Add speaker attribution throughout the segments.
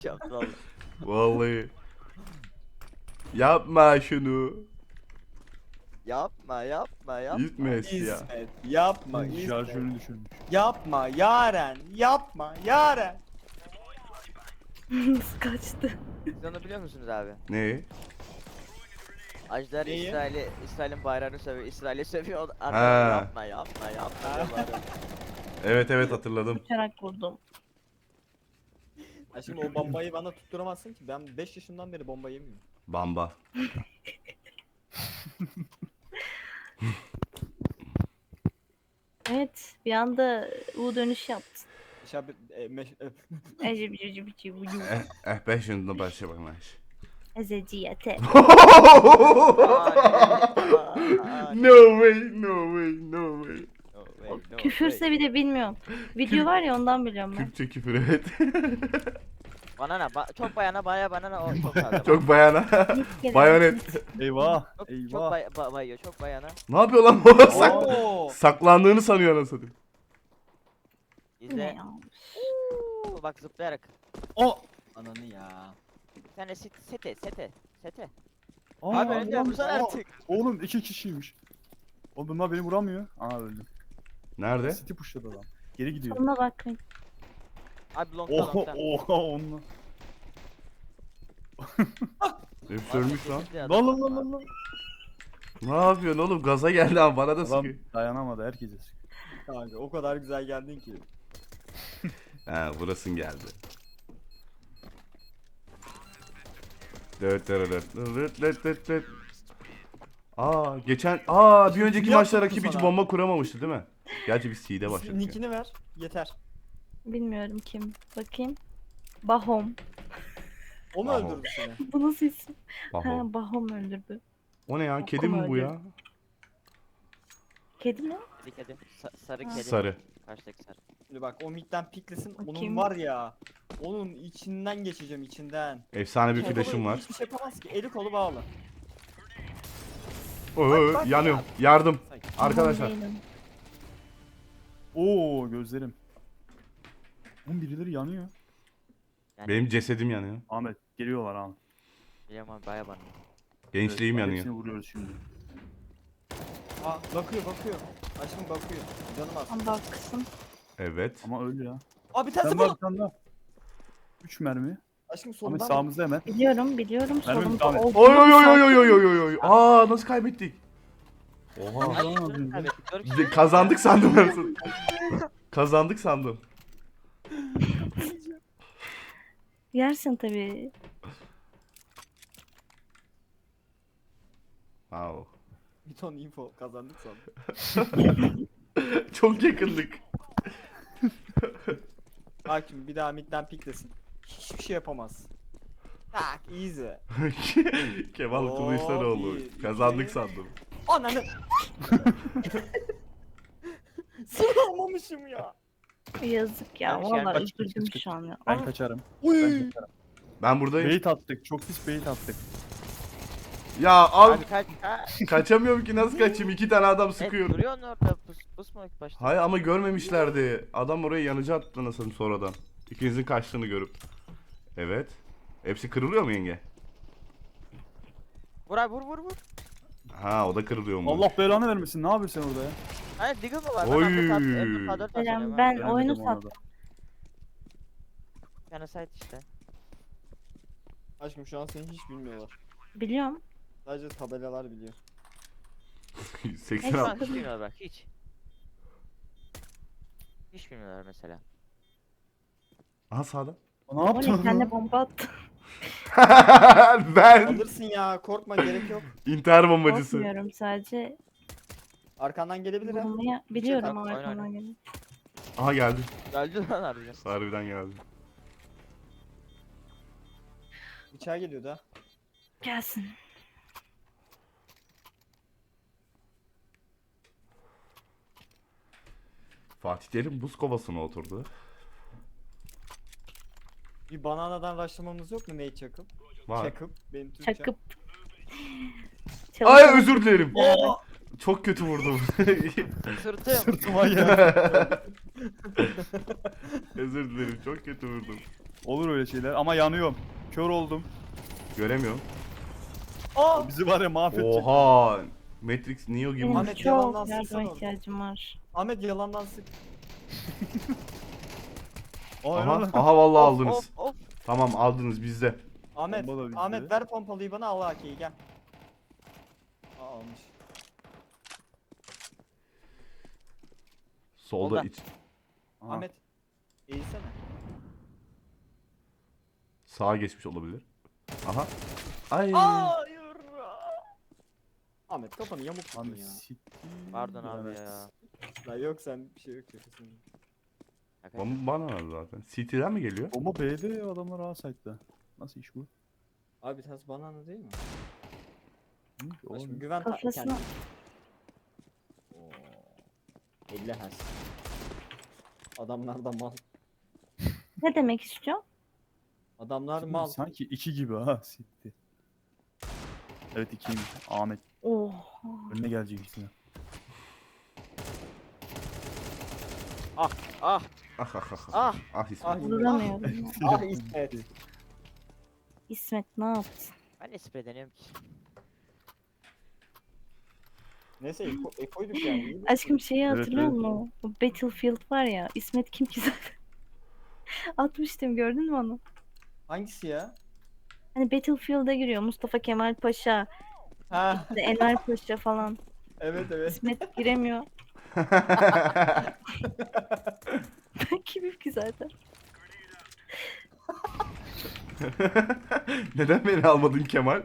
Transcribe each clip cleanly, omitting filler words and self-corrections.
Speaker 1: Yaptı valla.
Speaker 2: Vallahi. Yapma şunu.
Speaker 1: Yapma yapma.
Speaker 2: İsmet ya.
Speaker 3: İsmet yapma
Speaker 4: Şarjörünü
Speaker 3: İsmet.
Speaker 4: düşürmüş.
Speaker 3: Yapma Yaren. Yapma Yaren.
Speaker 5: Nasıl kaçtı?
Speaker 1: Siz onu biliyor musunuz abi?
Speaker 2: Ne?
Speaker 1: Ajdar
Speaker 3: Neyi?
Speaker 1: İsrail'in bayrağını sövüyor. İsrail'i sövüyor.
Speaker 2: Ha.
Speaker 1: Yapma yapma diye bağırıyor.
Speaker 2: Evet hatırladım.
Speaker 5: Uçarak vurdum.
Speaker 3: Ya şimdi o bombayı bana tutturamazsın ki. Ben 5 yaşından beri bomba yemiyorum.
Speaker 2: Bamba.
Speaker 5: Evet, bir anda U dönüş yaptı.
Speaker 3: Şab
Speaker 2: Eh 5 yaşında başlamak.
Speaker 5: Ezeciyete.
Speaker 2: No way, no way, no way.
Speaker 5: Küfürse bir de bilmiyorum. Video var ya ondan biliyorum ben.
Speaker 2: Türkçe küfür evet.
Speaker 1: Bana ne? Çok bayana bana ne o çok fazla.
Speaker 2: Çok bayana. Bayonet.
Speaker 4: Eyvah.
Speaker 1: Çok
Speaker 4: Eyvah.
Speaker 1: bayıyor çok bayana.
Speaker 2: Ne yapıyor lan bu?
Speaker 3: Oo.
Speaker 2: Saklandığını sanıyor anasını.
Speaker 5: Ne
Speaker 1: İzle.
Speaker 5: ya?
Speaker 1: Bak zıplayarak.
Speaker 3: O. Ananı ya.
Speaker 1: Bir tane sete.
Speaker 4: Aa,
Speaker 1: Abi önce
Speaker 4: oğlum,
Speaker 1: vursana artık.
Speaker 4: Oğlum 2 kişiymiş. Oğlum bunlar beni vuramıyor. Aa öldüm.
Speaker 2: Nerede?
Speaker 4: City pushladı adam. Geri gidiyor.
Speaker 5: Sonuna bakmayın.
Speaker 1: Abi longta
Speaker 4: Oha
Speaker 1: longta.
Speaker 4: oha onunla.
Speaker 2: Hep ölmüş lan.
Speaker 4: Lan lan lan lan lan.
Speaker 2: Ne yapıyorsun oğlum? Gaza geldi ama bana da
Speaker 4: Adam
Speaker 2: sıkıyor.
Speaker 4: dayanamadı herkese sıkıyor.
Speaker 3: Kanka o kadar güzel geldin ki.
Speaker 2: He burasın geldi. Dört. Geçen bir önceki
Speaker 3: Niye
Speaker 2: maçta
Speaker 3: yaptın
Speaker 2: rakip hiç
Speaker 3: sana?
Speaker 2: bomba kuramamıştı değil mi? Gerçi biz C'de başladık. ya.
Speaker 3: Nickini ver. Yeter.
Speaker 5: Bilmiyorum kim. Bakayım. Bahom.
Speaker 3: O mu
Speaker 2: Bravo.
Speaker 3: öldürdü seni?
Speaker 5: Bu nasıl isim?
Speaker 2: Baho.
Speaker 5: Ha, Bahom öldürdü.
Speaker 2: O ne ya?
Speaker 5: Baho
Speaker 2: Kedi mi bu
Speaker 5: öldü.
Speaker 2: ya?
Speaker 5: Kedi mi?
Speaker 1: Kedi. Sarı kedi.
Speaker 2: Sarı.
Speaker 1: Karşıdaki sarı.
Speaker 3: Şimdi bak o midden piklesin. Onun
Speaker 5: Bakayım.
Speaker 3: var ya. Onun içinden geçeceğim içinden.
Speaker 2: Efsane bir
Speaker 3: Kolu
Speaker 2: flash'ım var.
Speaker 3: Hiçbir şey yapamaz ki. Eli kolu bağlı. bak
Speaker 2: Yanıyorum.
Speaker 3: ya.
Speaker 2: Yardım. Arkadaşlar.
Speaker 5: Bahom değilim.
Speaker 4: Oo gözlerim. Oğlum birileri yanıyor.
Speaker 1: Yani,
Speaker 2: Benim cesedim yanıyor.
Speaker 4: Ahmet geliyorlar Ahmet.
Speaker 1: biliyorum abi baya bana.
Speaker 2: Gençliğim
Speaker 4: Evet,
Speaker 2: yanıyor.
Speaker 4: Hepsini vuruyoruz şimdi.
Speaker 3: Aa bakıyor. Aşkım bakıyor. Canım az.
Speaker 5: Ama baksın.
Speaker 2: Evet.
Speaker 4: Ama öldü ya.
Speaker 3: Aa bir tanesi
Speaker 4: Sen var
Speaker 3: bu.
Speaker 4: bir tane daha. 3 mermi.
Speaker 3: Aşkım
Speaker 4: Ahmet
Speaker 3: solundan.
Speaker 4: sağımızda hemen.
Speaker 5: Biliyorum.
Speaker 4: Mermi
Speaker 5: Solumda
Speaker 4: devam et.
Speaker 5: olduğunu
Speaker 2: Oy oy oy
Speaker 5: sandım.
Speaker 2: oy oy oy oy oy. Aa nasıl kaybettik? Oha.
Speaker 1: Ay,
Speaker 4: Tamam,
Speaker 1: dur,
Speaker 4: abi.
Speaker 1: kaybettik. Dört kişi.
Speaker 2: Kazandık sandım ben. Kazandık sandım.
Speaker 5: Yersin tabii.
Speaker 2: Wow.
Speaker 3: Bir ton info kazandık sandım.
Speaker 2: Çok yakındık.
Speaker 3: Bak şimdi bir daha midden piklesin. Hiçbir şey yapamaz. Tak easy.
Speaker 2: Kemal Kılıçdaroğlu.
Speaker 3: bir,
Speaker 2: Kazandık
Speaker 3: iki.
Speaker 2: sandım.
Speaker 3: Ananı. Sıralamamışım ya.
Speaker 5: Yazık ya.
Speaker 1: Kaç,
Speaker 5: Vallahi
Speaker 1: kaç,
Speaker 5: üzüldüm
Speaker 4: kaç.
Speaker 5: şu an ya.
Speaker 4: Ben
Speaker 5: Ama
Speaker 4: kaçarım.
Speaker 3: Uy.
Speaker 4: Ben kaçarım.
Speaker 2: Ben buradayım.
Speaker 4: Bait attık. Çok pis bait attık.
Speaker 2: Ya al
Speaker 1: Abi kaç.
Speaker 2: kaçamıyorum ki nasıl kaçayım? 2 tane adam sıkıyor.
Speaker 1: Duruyorsun orada pusma ilk başta.
Speaker 2: Hayır ama görmemişlerdi. Adam oraya yanıcı attı nasıl sonradan. İkinizin kaçtığını görüp. Evet. Hepsi kırılıyor mu yenge?
Speaker 1: Vur abi vur.
Speaker 2: Ha o da kırılıyor mu?
Speaker 4: Allah belanı vermesin. Ne yapıyorsun sen orada ya?
Speaker 1: Hayır Diggle mı var?
Speaker 2: Oy.
Speaker 5: Ben
Speaker 4: Beğenmedim
Speaker 5: oyunu
Speaker 4: onu da.
Speaker 5: sattım.
Speaker 1: Bir tane site işte.
Speaker 3: Aşkım şu an seni hiç bilmiyorlar.
Speaker 5: Biliyorum.
Speaker 3: Sadece tabelalar biliyor.
Speaker 2: 80
Speaker 1: Şu
Speaker 2: al.
Speaker 1: an hiç bilmiyorlar bak hiç. Hiç bilmiyorlar mesela.
Speaker 2: Aha sağda.
Speaker 4: Ne
Speaker 5: O
Speaker 4: yaptın?
Speaker 5: ne? Kendi bomba attı.
Speaker 2: Ben
Speaker 3: Alırsın ya korkma gerek yok.
Speaker 2: intihar bombacısı.
Speaker 5: Korkmuyorum sadece.
Speaker 3: Arkandan gelebilir ha.
Speaker 5: Vurmaya biliyorum
Speaker 3: Oyna,
Speaker 5: ama
Speaker 1: oyna.
Speaker 5: arkamdan geliyor.
Speaker 2: Aha geldi.
Speaker 1: Öldü lan harbiden.
Speaker 2: Harbiden geldi.
Speaker 3: Bıçağı geliyordu ha.
Speaker 5: Gelsin.
Speaker 2: Fatih Terim buz kovasına oturdu.
Speaker 3: Bir bananadan başlamamız yok mu Nate çakıp?
Speaker 2: Var.
Speaker 3: Çakıp benim Türkçem.
Speaker 5: Çakıp.
Speaker 2: Ay özür dilerim.
Speaker 3: Oo!
Speaker 2: Çok kötü vurdum.
Speaker 1: Sırtım.
Speaker 4: Sırtıma geldi.
Speaker 2: Özür dilerim çok kötü vurdum.
Speaker 4: Olur öyle şeyler ama yanıyorum. Kör oldum.
Speaker 2: Göremiyorum.
Speaker 3: Aa!
Speaker 4: Bizi var ya mahvedecek.
Speaker 2: Oha. Matrix Neo gibi.
Speaker 5: Benim
Speaker 3: Ahmet, yalandan
Speaker 5: çok yardıma
Speaker 3: sıksana orada.
Speaker 5: ihtiyacım var.
Speaker 3: Ahmet yalandan sık.
Speaker 4: Aa,
Speaker 2: Aha,
Speaker 4: lan.
Speaker 2: aha vallahi
Speaker 1: Of,
Speaker 2: aldınız.
Speaker 1: of, of.
Speaker 2: Tamam aldınız bizde.
Speaker 3: Ahmet,
Speaker 4: Bomba da bizde.
Speaker 3: Ahmet ver pompalıyı bana, al AK'yi gel. Aa, almış.
Speaker 2: Solda
Speaker 1: Solda.
Speaker 2: iç.
Speaker 4: Aha.
Speaker 3: Ahmet eğilsene.
Speaker 2: Sağa geçmiş olabilir. Aha. Ay.
Speaker 3: Hayır. Ahmet kafanı yamuk tutun
Speaker 4: Ahmet
Speaker 3: ya.
Speaker 4: siktir.
Speaker 1: Pardon abi
Speaker 3: Evet.
Speaker 1: ya.
Speaker 3: La yok, sen bir şey yok kesin.
Speaker 2: Bana var zaten. City'den mi geliyor?
Speaker 4: Bomba B'de, adamlar A site'da. Nasıl iş bu?
Speaker 3: Abi tas banana değil mi?
Speaker 4: Hı,
Speaker 3: Bak
Speaker 4: oğlum.
Speaker 3: şimdi güven
Speaker 5: Kafasına-
Speaker 3: kendine. Oo. 50 Hz. Adamlar da mal.
Speaker 5: Ne demek istiyor?
Speaker 3: Adamlar
Speaker 4: Şimdi
Speaker 3: mal.
Speaker 4: Sanki 2 gibi ha siktir. Evet 2'ymiş. Ahmet
Speaker 5: Oh.
Speaker 4: önüne gelecek ikisine.
Speaker 1: Ah.
Speaker 2: Ah ah ah ah.
Speaker 1: Ah.
Speaker 2: Ah İsmet.
Speaker 3: Ah,
Speaker 5: Vuramıyorum.
Speaker 3: ah İsmet.
Speaker 5: İsmet ne yaptın?
Speaker 1: Ben de sprey deniyorum ki.
Speaker 3: Neyse ekoyduk yani. iyi mi?
Speaker 5: Aşkım şeyi
Speaker 4: Evet,
Speaker 5: hatırlıyor
Speaker 4: evet.
Speaker 5: musun? O Battlefield var ya. İsmet kim ki zaten? Atmıştım, gördün mü onu?
Speaker 3: Hangisi ya?
Speaker 5: Hani Battlefield'a giriyor. Mustafa Kemal Paşa,
Speaker 3: Ha
Speaker 5: işte Enver Paşa falan.
Speaker 3: evet evet.
Speaker 5: İsmet giremiyor. Ben kimim ki zaten?
Speaker 2: Neden beni almadın Kemal?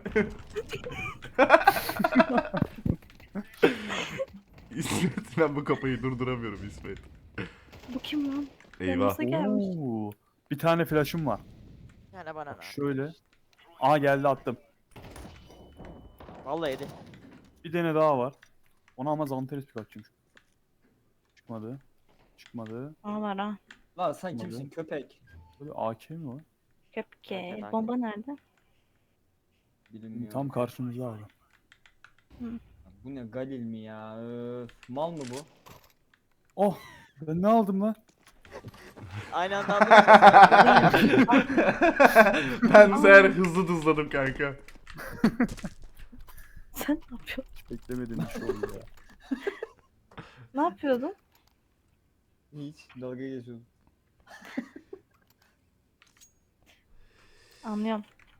Speaker 2: İsmet, ben bu kafayı durduramıyorum İsmet.
Speaker 5: Bu kim lan?
Speaker 2: Eyvah.
Speaker 5: Yanımıza gelmiş.
Speaker 4: Oo. Bir tane flash'ım var.
Speaker 1: Bir tane bana
Speaker 4: Bak şöyle.
Speaker 1: ne?
Speaker 4: Aa geldi attım.
Speaker 1: Vallahi yedi.
Speaker 4: Bir tane daha var. Ona ama Zanteres bir atacağım. Çıkmadı. Çıkmadı.
Speaker 5: Aa var ha.
Speaker 3: Lan sen
Speaker 4: Olmadı.
Speaker 3: kimsin köpek?
Speaker 4: Böyle AK mi var?
Speaker 5: Köpke.
Speaker 1: Nerede?
Speaker 5: Bomba nerede?
Speaker 3: Bilinmiyor.
Speaker 4: Tam karşımızda abi.
Speaker 3: Bu ne, Galil mi ya? Öf, mal mı bu?
Speaker 4: Oh! Ben ne aldım lan?
Speaker 1: Aynı anda aldınız.
Speaker 2: Ben bu sefer hızlı hızladım kanka.
Speaker 5: Sen ne yapıyorsun?
Speaker 4: Hiç beklemediğim bir şey oldu ya.
Speaker 5: Ne yapıyordun?
Speaker 3: Hiç dalga geçiyorsun.
Speaker 5: Anlıyorum.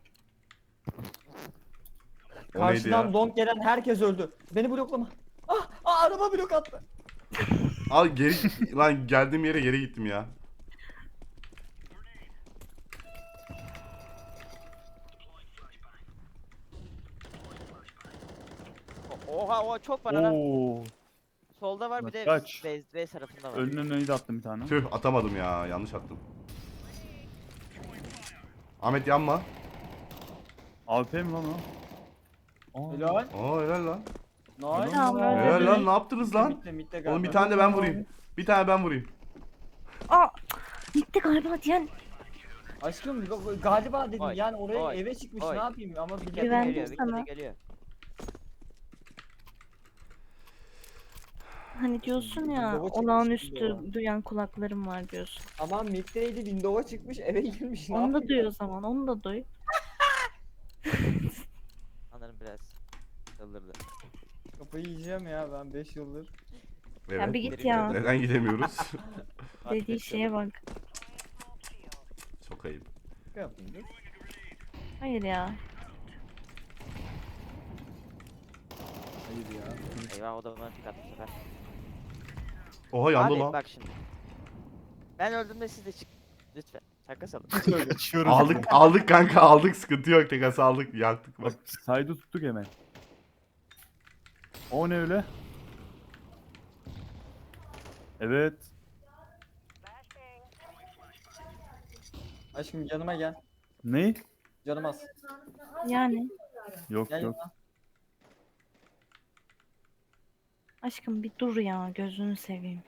Speaker 2: O neydi
Speaker 3: Karşıdan
Speaker 2: ya?
Speaker 3: long gelen herkes öldü. Beni bloklama. Araba blok attı.
Speaker 2: Al geri lan, geldiğim yere geri gittim ya.
Speaker 1: Oha oha çok bana lan.
Speaker 4: Oo!
Speaker 1: Solda var bir de
Speaker 4: Kaç?
Speaker 1: base tarafında var.
Speaker 4: Önüne neydi attım bir tane.
Speaker 2: Tüh, atamadım ya, yanlış attım. Ahmet yanma.
Speaker 4: AWP mi lan o? Aa.
Speaker 3: Helal.
Speaker 2: Aa helal lan.
Speaker 3: Nice.
Speaker 5: Tamam, öyle
Speaker 2: Helal
Speaker 5: değil.
Speaker 2: lan, ne yaptınız lan?
Speaker 3: Mitte
Speaker 2: Oğlum bir
Speaker 3: galiba.
Speaker 2: tane de ben vurayım. Bir tane ben vurayım.
Speaker 5: Aa! Gitti galiba diyen.
Speaker 3: Aşkım galiba dedim
Speaker 1: Oy,
Speaker 3: yani oraya
Speaker 1: oy,
Speaker 3: eve çıkmış,
Speaker 1: oy.
Speaker 3: ne yapayım ama bir
Speaker 1: Bir kere
Speaker 5: Güvendim
Speaker 1: geliyor, bir
Speaker 5: sana.
Speaker 1: kere geliyor.
Speaker 5: Hani diyorsun ya,
Speaker 3: Windows'a çıkmış
Speaker 5: olağanüstü
Speaker 3: gibi
Speaker 5: duyan kulaklarım var diyorsun.
Speaker 3: ama middeydi, window'a çıkmış, eve girmiş, ne
Speaker 5: Onu da
Speaker 3: yapayım?
Speaker 5: duy o zaman, onu da duy.
Speaker 1: Sanırım biraz çıldırdı.
Speaker 3: Kafayı yiyeceğim ya ben 5 yıldır.
Speaker 2: Evet.
Speaker 5: Ya bir git ya.
Speaker 2: Neden gidemiyoruz?
Speaker 5: Dediği şeye bak.
Speaker 2: Çok ayıp.
Speaker 3: Ne yapayım dur?
Speaker 5: Hayır ya.
Speaker 3: Hayır ya.
Speaker 1: Eyvah, o da bana tık attı bu sefer.
Speaker 2: Oha yandı
Speaker 1: Abi
Speaker 2: lan.
Speaker 1: bak şimdi. Ben öldüğümde siz de çık. Lütfen. Şaka salın.
Speaker 4: Kaçıyoruz.
Speaker 2: Aldık kanka, aldık, sıkıntı yok, tekası aldık, yaktık bak.
Speaker 4: Bak saydı tuttuk hemen. O ne öyle? Evet.
Speaker 3: Aşkım yanıma gel.
Speaker 4: Ne?
Speaker 3: Canım az.
Speaker 5: Yani
Speaker 4: Yok
Speaker 3: Gel
Speaker 4: yok.
Speaker 3: yanıma.
Speaker 5: aşkım bir dur ya, gözünü seveyim.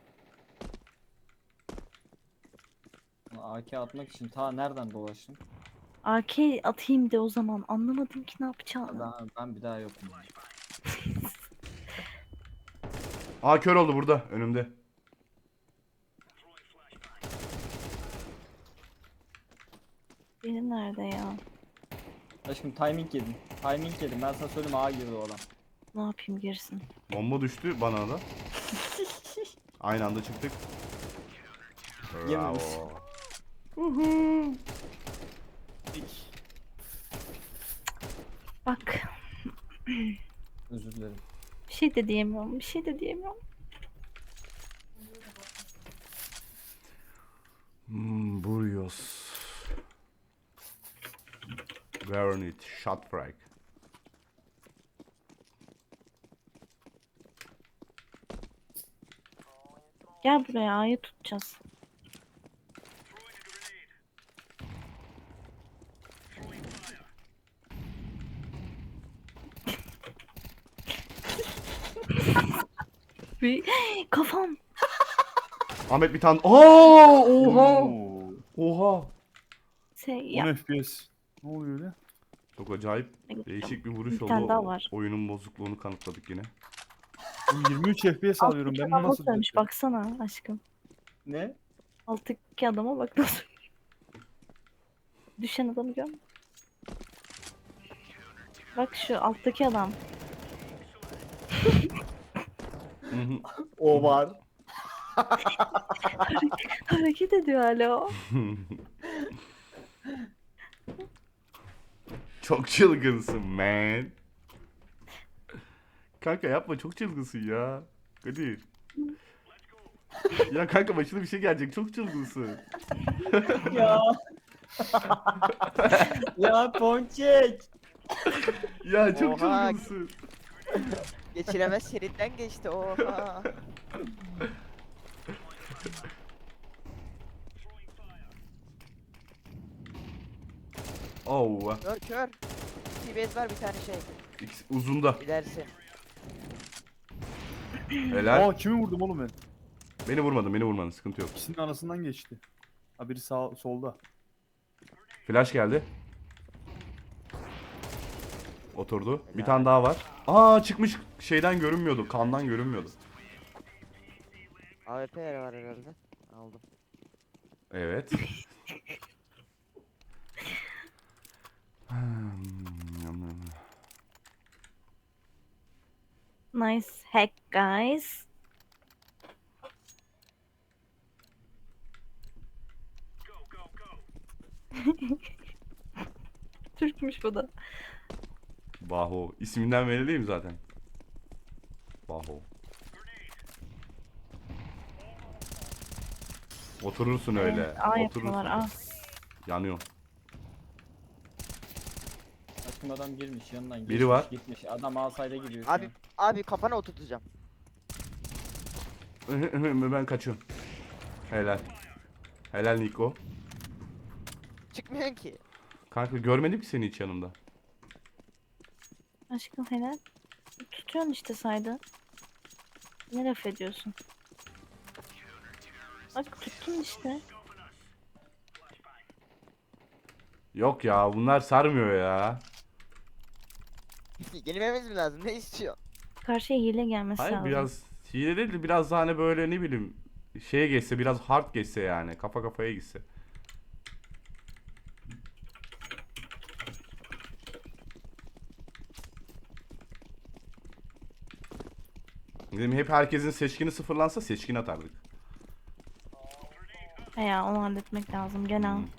Speaker 3: AK atmak için ta nereden dolaştım?
Speaker 5: AK atayım de o zaman, anlamadım ki ne yapacağını.
Speaker 3: Ben bir daha yokum.
Speaker 2: Aa kör oldu burada, önümde.
Speaker 5: Benim nerede ya?
Speaker 3: Aşkım timing yedin. Timing yedim. Ben sana söyleyeyim A girdi o adam.
Speaker 5: Ne yapayım girsin.
Speaker 2: Bomba düştü bana da. Aynı anda çıktık.
Speaker 3: Yememiş.
Speaker 2: Bravo. Uhu.
Speaker 5: Bak.
Speaker 3: Özür dilerim.
Speaker 5: Bir şey de diyemiyorum. Bir şey de diyemiyorum.
Speaker 2: Burrios. Granit, shot frag.
Speaker 5: Gel buraya A'yı tutacağız. Bir kafam.
Speaker 2: Ahmet bir tane. Aa, oha.
Speaker 4: Oo,
Speaker 2: Oha.
Speaker 5: 10
Speaker 4: 10 FPS. Ne oluyor öyle?
Speaker 2: Çok acayip değişik bir vuruş
Speaker 5: Bir
Speaker 2: oldu.
Speaker 5: tane daha var.
Speaker 2: Oyunun bozukluğunu kanıtladık yine.
Speaker 4: Bu 23 FPS alıyorum. Ben bunu nasıl
Speaker 5: söylemiş
Speaker 4: düzelteceğim?
Speaker 5: baksana aşkım.
Speaker 3: Ne?
Speaker 5: Alttaki adama bak nasıl. Düşen adamı gör musun? Bak şu alttaki adam.
Speaker 2: Hı hı.
Speaker 3: O var.
Speaker 5: Hareket ediyor hala o.
Speaker 2: Çok çılgınsın man. Kanka yapma, çok çılgınsın ya. Kadir. Ya kanka başına bir şey gelecek, çok çılgınsın.
Speaker 3: Ya. Ya Ponçek.
Speaker 2: Ya çok
Speaker 1: Oha.
Speaker 2: çılgınsın.
Speaker 1: Geçilemez şeritten geçti. Oha.
Speaker 2: Oh.
Speaker 1: Kör kör. TBS var bir tane şey.
Speaker 2: Uzunda.
Speaker 1: Gidersin.
Speaker 2: Helal.
Speaker 4: Aa kimi vurdum oğlum ben?
Speaker 2: Beni vurmadın, beni vurmadın, sıkıntı yok.
Speaker 4: İkisinin arasından geçti. Ha biri sağ solda.
Speaker 2: Flash geldi. Oturdu. Bir
Speaker 1: Helal.
Speaker 2: tane daha var. Aa, çıkmış, şeyden görünmüyordu, kandan görünmüyordu.
Speaker 1: AWP yeri var herhalde. Aldım.
Speaker 2: Evet.
Speaker 5: Nice hack guys. Türkmüş bu da.
Speaker 2: Baho. İsminden belli değil mi zaten? Baho. Oturursun öyle.
Speaker 5: A yapıyorlar
Speaker 2: Oturursun.
Speaker 5: A.
Speaker 2: Yanıyor.
Speaker 3: Aşkım adam girmiş yanından geçmiş,
Speaker 2: Biri var.
Speaker 3: gitmiş. Adam alsayda gidiyor. şu
Speaker 1: Abi
Speaker 3: an.
Speaker 1: abi kafana oturtacağım.
Speaker 2: Ben kaçıyorum. Helal. Helal Niko.
Speaker 1: Çıkmıyorsun ki.
Speaker 2: Kanka görmedim ki seni hiç yanımda.
Speaker 5: Aşkım helal. Tutuyorsun işte saydı. Ne laf ediyorsun? Bak tuttun işte.
Speaker 2: Yok ya, bunlar sarmıyor ya.
Speaker 1: Yenilmemiz mi lazım? Ne istiyor?
Speaker 5: Karşıya hile gelmesi
Speaker 2: Hayır,
Speaker 5: lazım.
Speaker 2: biraz hile değil de biraz daha hani böyle ne bileyim şeye geçse, biraz hard geçse yani, kafa kafaya gitse. Dedim hep herkesin seçkini sıfırlansa seçkin atardık.
Speaker 5: He ya onu halletmek lazım gene.
Speaker 2: Hmm.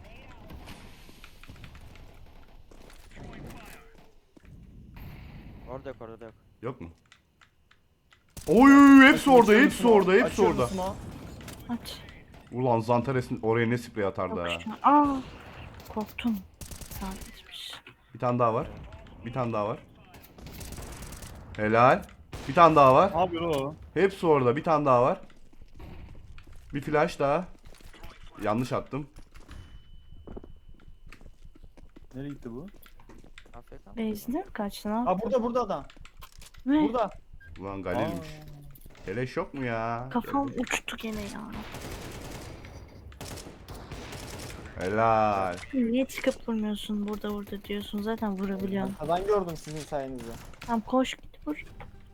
Speaker 1: Orada yok orada yok.
Speaker 2: Yok mu? Oy, hepsi orada,
Speaker 3: Açıyorum
Speaker 2: hepsi
Speaker 3: smoke,
Speaker 2: orada, hepsi
Speaker 3: açıyorum
Speaker 2: orada.
Speaker 3: smoke.
Speaker 5: Aç.
Speaker 2: Ulan Zantares'in oraya ne sprey atardı ha.
Speaker 5: Yok şu an. Aa. Korktum. Sadecemiş.
Speaker 2: Bir tane daha var. Bir tane daha var. Helal. Bir tane daha var.
Speaker 4: Ne yapıyor o?
Speaker 2: Hepsi orada. Bir tane daha var. Bir flash daha. Yanlış attım.
Speaker 4: Nereye gitti bu?
Speaker 1: Afiyet olsun.
Speaker 5: Beyzine mi kaçtı ne
Speaker 3: Ha
Speaker 5: yaptı?
Speaker 3: burada adam.
Speaker 5: Ne?
Speaker 3: Burada.
Speaker 2: Ulan Galil'miş. Keleş yok mu ya?
Speaker 5: Kafam uçtu gene ya.
Speaker 2: Helal.
Speaker 5: Niye çıkıp vurmuyorsun burada diyorsun zaten vurabiliyorsun.
Speaker 3: Arkadan gördüm sizin sayenizde.
Speaker 5: Tamam koş git vur.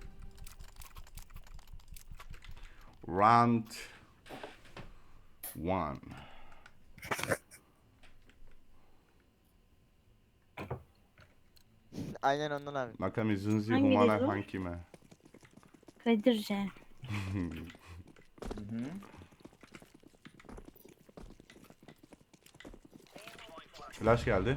Speaker 2: Round 1.
Speaker 1: Aynen ondan abi.
Speaker 2: Makami Zunzi
Speaker 5: Hangi
Speaker 2: Humana
Speaker 5: dedi o?
Speaker 2: Hankime.
Speaker 5: Kadirce.
Speaker 3: Hı hı.
Speaker 2: Flash geldi.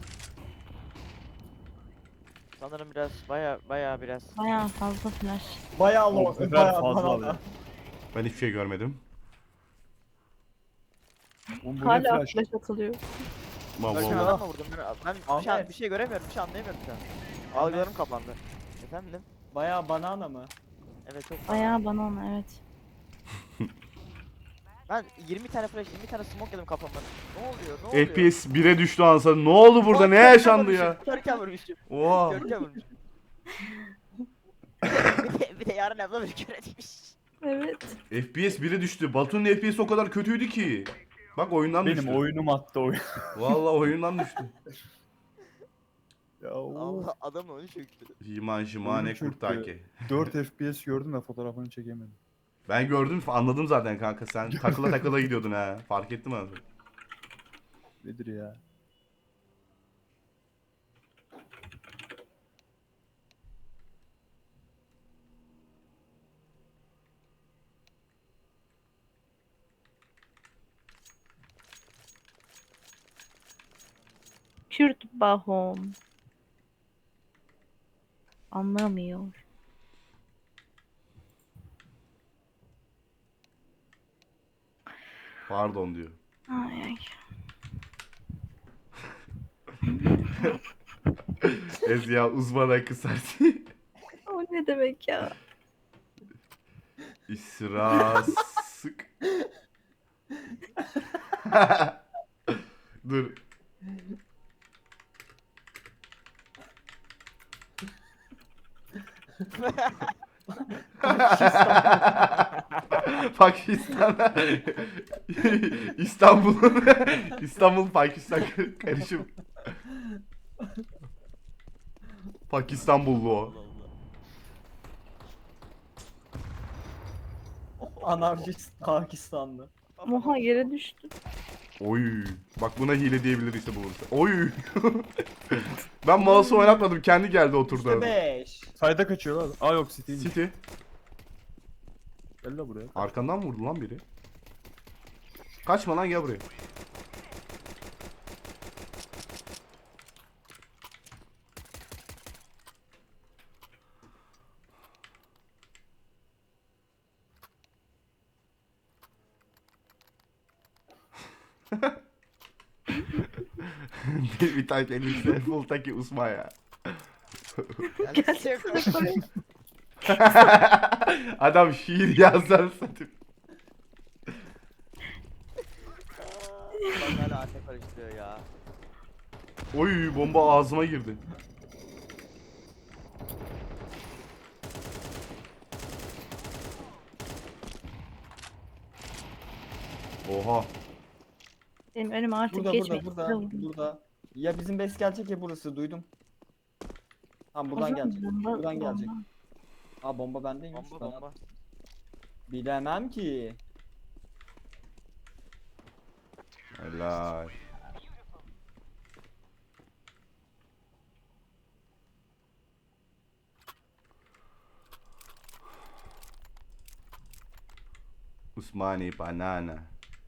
Speaker 1: Sanırım biraz baya biraz.
Speaker 5: Bayağı fazla flash.
Speaker 3: Bayağı
Speaker 4: O
Speaker 3: low.
Speaker 4: kadar
Speaker 3: Bayağı
Speaker 4: fazla
Speaker 3: fazla.
Speaker 4: abi.
Speaker 2: Ben hiçbir şey görmedim.
Speaker 4: Oğlum bu ne
Speaker 5: Hala
Speaker 4: flash?
Speaker 5: flash atılıyor.
Speaker 1: Görkem
Speaker 2: Vallahi.
Speaker 1: adam mı vurdum? Ben bir
Speaker 3: Ahmet.
Speaker 1: şey göremiyorum. Bir şey anlayamıyorum şu an. Algılarım kapandı. Efendim?
Speaker 3: Bayağı banana mı?
Speaker 1: Evet çok.
Speaker 5: Bayağı bana ona evet.
Speaker 1: Ben 20 tane flash, 20 tane smoke yedim kafamdan. Ne oluyor? Ne oluyor?
Speaker 2: FPS 1'e düştü ansa. Ne oldu burada? Ne yaşandı ya?
Speaker 1: Görkem vurmuşum.
Speaker 2: Oha.
Speaker 1: Görkem vurmuşum. bir de yarın abla bir kör etmiş.
Speaker 5: Evet.
Speaker 2: FPS 1'e düştü. Batu'nun FPS o kadar kötüydü ki. Bak oyundan
Speaker 4: Benim
Speaker 2: düştü.
Speaker 4: oyunum attı oyun.
Speaker 2: Vallahi oyundan düştü.
Speaker 4: Ya
Speaker 1: Allah adamı onu çöktü.
Speaker 2: Himan Jimane
Speaker 4: Oyun çöktü.
Speaker 2: Kurtaki.
Speaker 4: 4 FPS gördüm de fotoğrafını çekemedim.
Speaker 2: Ben gördüm anladım zaten kanka sen takıla takıla gidiyordun ha. Fark ettim abi.
Speaker 4: Nedir ya?
Speaker 5: Kürt Bahom. Anlamıyor.
Speaker 2: Pardon diyor.
Speaker 5: Ay ay.
Speaker 2: Ezya uzmana kısarsın.
Speaker 5: O ne demek ya?
Speaker 2: İsrasık. Dur. Pakistan. İstanbul'un İstanbul Pakistan karışım. Pakistanbullu o.
Speaker 3: Anarşist Pakistanlı.
Speaker 5: Moha yere düştü.
Speaker 2: Oy. Bak buna hile diyebilir işte bulursa. Oy. Ben mouse'u oynatmadım. Kendi geldi oturdu.
Speaker 3: İşte 5.
Speaker 4: Sayda kaçıyor lan. Aa yok City'ymiş.
Speaker 2: City.
Speaker 4: Gel la buraya.
Speaker 2: Arkandan mı vurdu lan biri? Kaçma lan gel buraya. Bir tane elbise full taki usma ya.
Speaker 1: Gerçekten.
Speaker 2: Adam şiir yazar satayım.
Speaker 1: Bak hala anne karıştırıyor ya.
Speaker 2: Oy bomba ağzıma girdi. Oha.
Speaker 5: Benim önüme artık
Speaker 3: Burada
Speaker 5: geçmek
Speaker 3: burada
Speaker 5: istiyorum.
Speaker 3: burada. Ya bizim base gelecek ya burası duydum. Tamam
Speaker 5: O
Speaker 3: buradan
Speaker 5: zaman
Speaker 3: gelecek.
Speaker 5: bomba-
Speaker 3: Buradan gelecek.
Speaker 5: bomba.
Speaker 3: Aa bomba bendeymiş.
Speaker 1: Bomba
Speaker 3: Ben
Speaker 1: bomba.
Speaker 3: bilemem ki.
Speaker 2: Helal. Usmani banana.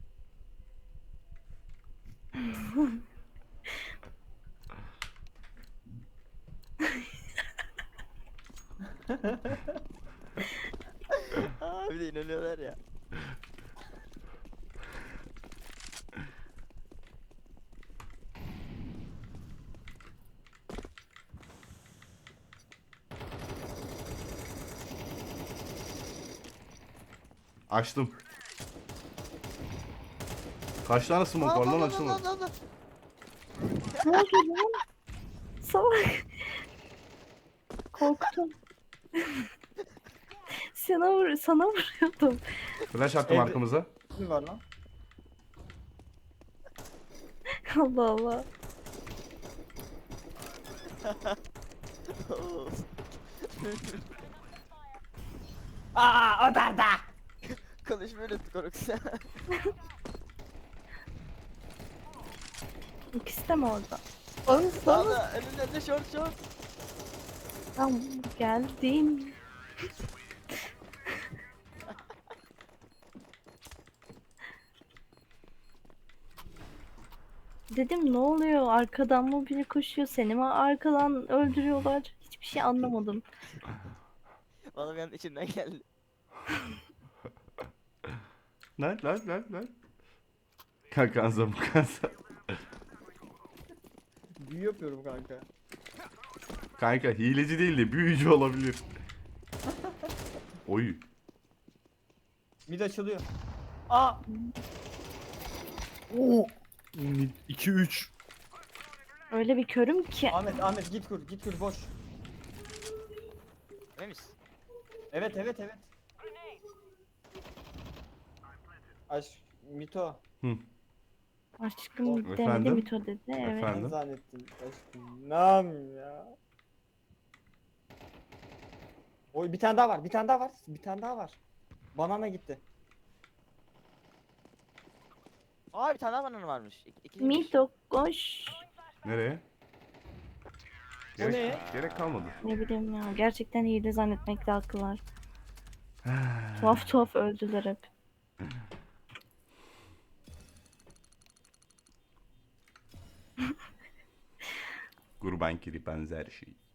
Speaker 1: Aa, bir de inanıyorlar ya.
Speaker 2: Açtım. Kaç tane smoke var lan açtım.
Speaker 5: Ne oldu lan? Salak. Korktum. Sana vuruyordum.
Speaker 2: Flash attım
Speaker 3: Evde-
Speaker 2: arkamıza.
Speaker 3: Ne var lan?
Speaker 5: Allah Allah.
Speaker 3: Aa o da.
Speaker 1: Konuşmayı unuttuk Orox.
Speaker 5: İkisi de mi orada?
Speaker 1: Sağda önünde short short.
Speaker 5: Tam geldim. Dedim ne oluyor? Arkadan mı biri koşuyor? Seni mi arkadan öldürüyorlar? Hiçbir şey anlamadım.
Speaker 1: Bana bir an içimden geldi.
Speaker 2: Lan. Kankanza mukanza.
Speaker 3: Büyü yapıyorum kanka.
Speaker 2: Kanka hileci değil de büyücü olabilir. Oy.
Speaker 3: Mid açılıyor. Aa!
Speaker 4: Oo. 2-3.
Speaker 5: Öyle bir körüm ki.
Speaker 3: Ahmet git kur, git kur boş.
Speaker 1: Emin misin?
Speaker 3: Evet. Aşk Mito.
Speaker 5: Aşkım demedi
Speaker 2: Efendim?
Speaker 5: Mito dedi. Evet.
Speaker 2: Efendim?
Speaker 3: Ben zannettim aşkım. Nam ya. Oy bir tane daha var. Bir tane daha var. Banana gitti.
Speaker 1: Aa bir tane daha banana varmış. İki
Speaker 5: Mito koş.
Speaker 2: Nereye?
Speaker 3: O ne?
Speaker 2: Gerek kalmadı.
Speaker 5: Ne bileyim ya. Gerçekten hile zannetmekte haklılar. Tuhaf öldüler hep.
Speaker 2: Kurban kiri benzer şey.